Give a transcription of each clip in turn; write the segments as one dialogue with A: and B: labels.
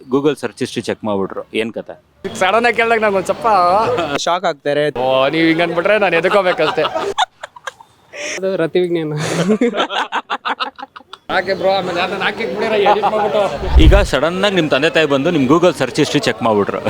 A: Google search history check ಮಾಡ್ಬಿಟ್ರು ಏನು ಕತೆ?
B: ಸಡನ್ ಆಗಿ ಕೇಳಿದಾಗ ನಂಗೆ ಒಂದು ಸ್ವಲ್ಪ
C: ಶಾಕ್ ಆಗ್ತಾರೆ.
B: ನೀವು ಹಿಂಗೆ ಅಂದ್ಬಿಟ್ರೆ ನಾನು ಎದ್ಕೋಬೇಕಷ್ಟೇ.
D: ಅದು ರತಿ ವಿಜ್ಞಾನ.
B: ಹಾಗೆ ಬ್ರೋ, ಆಮೇಲೆ ಅದನ್ನ ಹಾಕಿ ಬಿಡಿರ ಎಡಿಟ್ ಮಾಡ್ಬಿಟ್ಟು
A: ಈಗ ಸಡನ್ನಾಗಿ ನಿಮ್ಮ ತಂದೆ ತಾಯಿ ಬಂದು ನಿಮ್ಮ ಗೂಗಲ್ ಸರ್ಚ್ ಹಿಸ್ಟ್ರಿ ಚೆಕ್ ಮಾಡ್ಬಿಟ್ರು,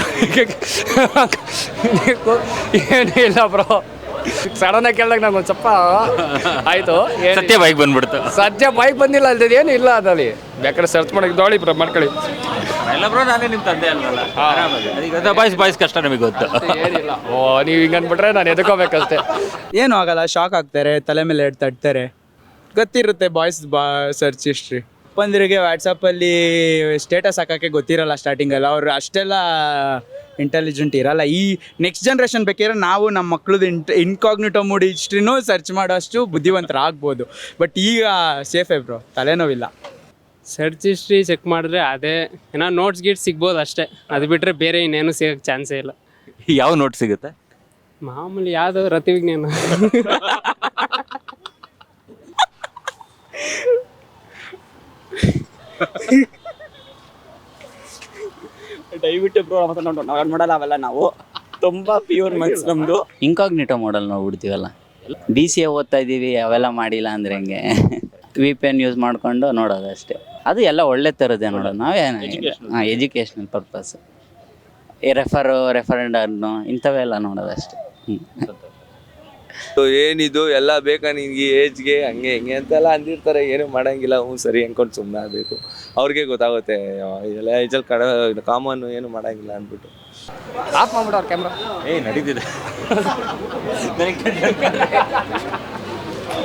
B: ಏನೂ ಇಲ್ಲ ಬ್ರೋ. ಸಡನ್ ಆಗಿ ಕೇಳಿದಾಗ ನಂಗೆ ಒಂದು ಸ್ವಲ್ಪ ಆಯಿತು.
A: ಸತ್ಯ ಬೈಕ್ ಬಂದ್ಬಿಡ್ತು.
B: ಸದ್ಯ ಬೈಕ್ ಬಂದಿಲ್ಲ ಅಲ್ದದ ಏನು ಇಲ್ಲ ಅದಲ್ಲಿ. ಬೇಕಾದ್ರೆ ಸರ್ಚ್ ಮಾಡಕ್ಕೆ ದೋಳಿ ಬ್ರೋ ಮಾಡ್ಕೊಳ್ಳಿ.
A: ಎಲ್ಲ ಬ್ರೋ, ನಾನೇ ನಿಮ್ಮ ತಂದೆ ಅಲ್ವಲ್ಲ, ಈಗ ಬಾಯ್ಸ್ ಕಷ್ಟ ನಮಗೆ ಗೊತ್ತು.
B: ಏನಿಲ್ಲ, ನೀವು ಹಿಂಗೆ ಅಂದ್ಬಿಟ್ರೆ ನಾನು ಎದ್ಕೋಬೇಕಷ್ಟೇ.
C: ಏನೂ ಆಗಲ್ಲ, ಶಾಕ್ ಆಗ್ತಾರೆ, ತಲೆ ಮೇಲೆ ತಟ್ತಾರೆ. ಗೊತ್ತಿರುತ್ತೆ ಬಾಯ್ಸ್ ಸರ್ಚ್ ಹಿಸ್ಟ್ರಿ. ಅಪ್ಪಂದಿರಿಗೆ ವಾಟ್ಸಪ್ಪಲ್ಲಿ ಸ್ಟೇಟಸ್ ಹಾಕೋಕ್ಕೆ ಗೊತ್ತಿರಲ್ಲ ಸ್ಟಾರ್ಟಿಂಗಲ್ಲ. ಅವ್ರು ಅಷ್ಟೆಲ್ಲ ಇಂಟೆಲಿಜೆಂಟ್ ಇರಲ್ಲ. ಈ ನೆಕ್ಸ್ಟ್ ಜನ್ರೇಷನ್ ಬೇಕಿದ್ರೆ ನಾವು ನಮ್ಮ ಮಕ್ಳದ್ದು ಇನ್ಕಾಗ್ನಿಟೋ ಮೋಡ್ ಹಿಸ್ಟ್ರಿನೂ ಸರ್ಚ್ ಮಾಡೋಷ್ಟು ಬುದ್ಧಿವಂತರಾಗ್ಬೋದು. ಬಟ್ ಈಗ ಸೇಫೇ ಬ್ರೋ, ತಲೆನೋವಿಲ್ಲ.
D: ಸರ್ಚ್ ಹಿಸ್ಟ್ರಿ ಚೆಕ್ ಮಾಡಿದ್ರೆ ಅದೇ ಏನೋ ನೋಟ್ಸ್ ಗೀಟ್ ಸಿಗ್ಬೋದು ಅಷ್ಟೇ. ಅದು ಬಿಟ್ಟರೆ ಬೇರೆ ಇನ್ನೇನು ಸಿಗೋಕ್ಕೆ ಚಾನ್ಸೇ ಇಲ್ಲ.
A: ಯಾವ ನೋಟ್ ಸಿಗುತ್ತೆ?
D: ಮಾಮೂಲಿ ಯಾವುದು ರತಿ ವಿಜ್ಞಾನ.
E: ದಯವಿಟ್ಟು ಬ್ರೋ ನಾವು ಮಾಡಲ್ಲ ಅವೆಲ್ಲ. ನಾವು ತುಂಬ ಪ್ಯೂರ್ ಮನ್ಸ್ ನಮ್ಮದು.
F: ಇನ್ಕಾಗ್ನಿಟೋ ಮಾಡಲ್ ನೋಡ್ಬಿಡ್ತೀವಲ್ಲ. DCA ಓದ್ತಾ ಇದ್ದೀವಿ, ಅವೆಲ್ಲ ಮಾಡಿಲ್ಲ ಅಂದರೆ ಹೆಂಗೆ? VPN ಯೂಸ್ ಮಾಡಿಕೊಂಡು ನೋಡೋದು ಅಷ್ಟೇ. ಅದು ಎಲ್ಲ ಒಳ್ಳೆ ಥರದ್ದೇ ನೋಡೋದು. ನಾವೇನು ಎಜುಕೇಷ್ನಲ್ ಪರ್ಪಸ್, ಈ ರೆಫರೆಂಡನ್ನು ಇಂಥವೆಲ್ಲ ನೋಡೋದು ಅಷ್ಟೇ.
G: ಏನಿದು ಎಲ್ಲ ಬೇಕಾ ನಿನ್ಗೆ ಏಜ್ಗೆ ಹಂಗೆ ಹಿಂಗೆ ಅಂತೆಲ್ಲ ಅಂದಿರ್ತಾರೆ. ಏನು ಮಾಡೋಂಗಿಲ್ಲ, ಸರಿ ಅನ್ಕೊಂಡು ಸುಮ್ಮನೆ ಆಗಬೇಕು. ಅವ್ರಿಗೆ ಗೊತ್ತಾಗುತ್ತೆ ಎಲ್ಲ ಏಜಲ್ಲಿ ಕಾಮನ್, ಏನು ಮಾಡೋಂಗಿಲ್ಲ ಅಂದ್ಬಿಟ್ಟು
B: ಆಫ್ ಮಾಡ್ಬಿಟ್ಟು ಅವ್ರ ಕ್ಯಾಮ್ರಾ
A: ನಡೀತಿದೆ.